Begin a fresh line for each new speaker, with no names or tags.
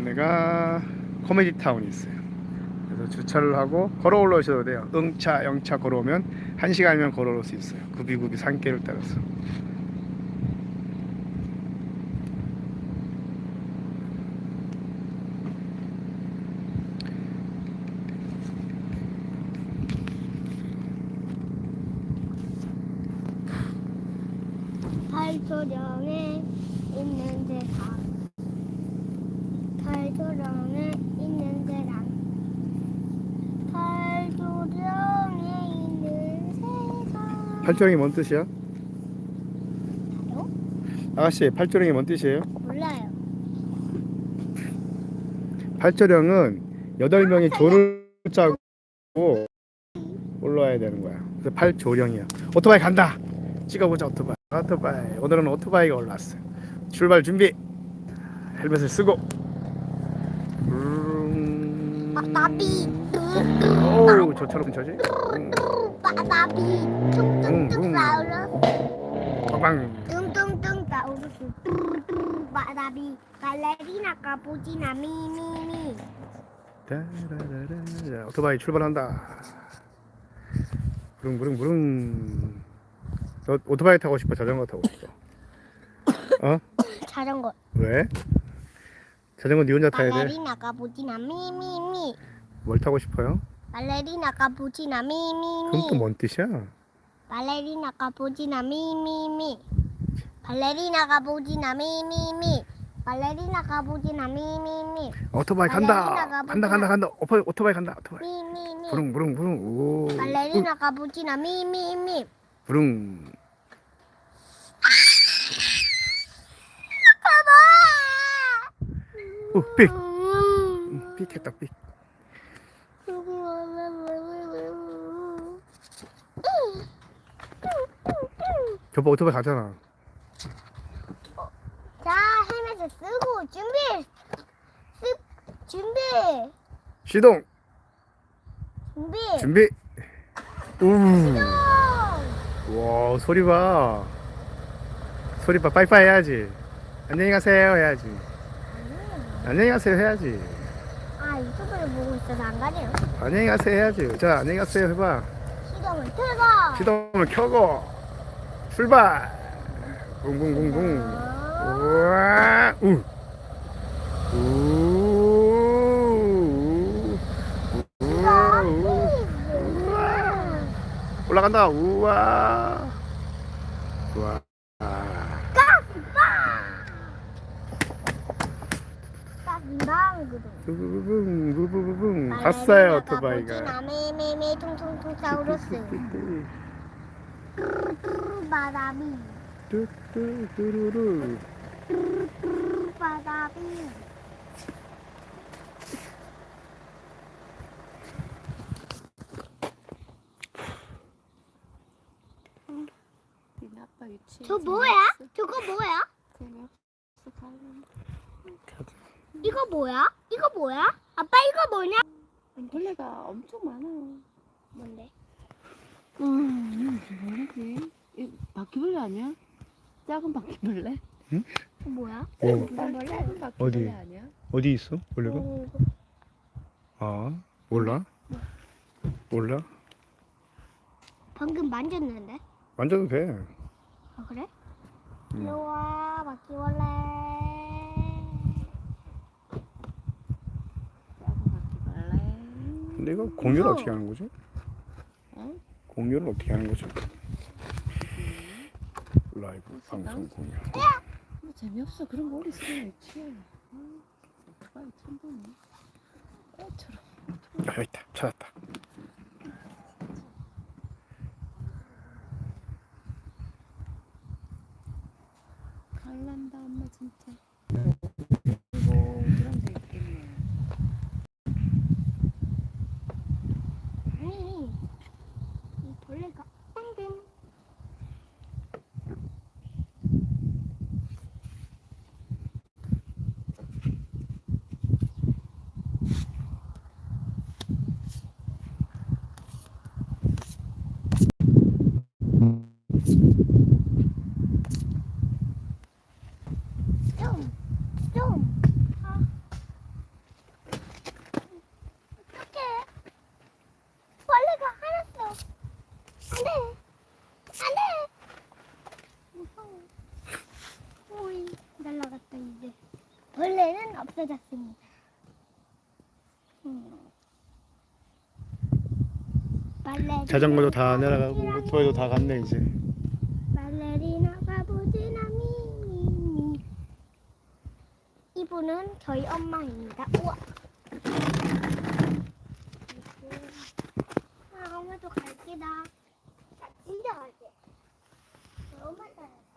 동네가 코미디 타운이 있어요. 그래서 주차를 하고 걸어 올라오셔도 돼요. 응차, 영차 걸어오면 1시간이면 걸어 올 수 있어요. 구비구비 산길을 따라서.
팔도령에 있는 세상. 팔도령에 있는 세상. 팔도령에 있는 세상.
팔조령이 뭔 뜻이야?
알아요?
아가씨, 팔조령이 뭔 뜻이에요?
몰라요.
팔조령은 8명이 조를 짜고 올라와야 되는 거야. 그래서 팔조령이야. 오토바이 간다. 찍어보자. 오토바이. 오늘은 오토바이가 올라왔어요. 출발 준비. 헬멧을 쓰고.
나비.
오우, 저처럼 저지.
나비. 퉁퉁퉁 사우루스.
빵.
뚱뚱뚱 사우루스. 나비. 발레리나 까보지나 미미미.
따라라라. 오토바이 출발한다. 부릉부릉부릉. 너 오토바이 타고 싶어? 자전거 타고 싶어? 어?
자전거.
왜? 자전거 니 혼자 타야 돼?
발레리나 까보지나 미미미.
뭘 타고 싶어요?
발레리나 까보지나
그럼 또
미미미.
뭔 뜻이야?
발레리나 까보지나 미미미. 발레리나 까보지나 미미미. 발레리나 까보지나 미미미.
오토바이 간다. 간다. 오토바이 간다. 오토바이.
미미미.
부릉부릉부릉. 오.
발레리나 까보지나 미미미.
부릉. 오, 삑. 삑했다, 삑. 저봐 오토바이 가잖아.
자, 헬멧을 쓰고 준비.
시동.
준비.
준비. 우.
시동.
와, 소리 봐. 소리 봐. 빠이빠이 해야지. 안녕히 가세요 해야지. 안녕히 가세요 해야지.
아, 유튜브를 보고 있어서 안 가네요.
안녕히 가세요 해야지. 자, 안녕히 가세요 해봐.
시동을 틀고.
시동을 켜고 출발. 붕붕붕붕. 우와. 우. 올라간다. 우와. 우와. 부부부붕 갔어요 오토바이가.
메메메 퉁퉁퉁 사우루스. 바다비.
뚜루루.
바다비. 저 뭐야? 저거 뭐야? 이거 뭐야? 이거 뭐야? 아빠 이거 뭐냐?
벌레가 엄청 많아요.
뭔데?
뭐지? 이 바퀴벌레 아니야? 작은 바퀴벌레?
뭐야?
오.
작은 바퀴벌레
어디?
아니야?
어디 있어? 원래가? 아, 몰라? 몰라?
방금 만졌는데?
만져도 돼.
아 그래?
음.
일로와 바퀴벌레.
작은 바퀴벌레.
근데 이거 공유를 어떻게 하는 거지?
어?
공유를 어떻게 하는 거지? 라이브 방송 공유.
뭐 재미없어. 그런 거 어디 있으면 있지. 오토바이 처음 보네. 애처럼.
아, 여기 있다. 찾았다.
갈란다 엄마 진짜. 아이고 그런 데 있겠네.
아니 이 벌레가 땡땡. 좀 없어졌다 이제. 벌레는 없어졌습니다. 발레리나
자전거도 다 내려가고 오토바이도 다 갔네 이제.
발레리나 가보지나 미미미. 이분은 저희 엄마입니다. 우와. 아, 엄마도 갈게다. 진짜 갈게. 엄마 따라.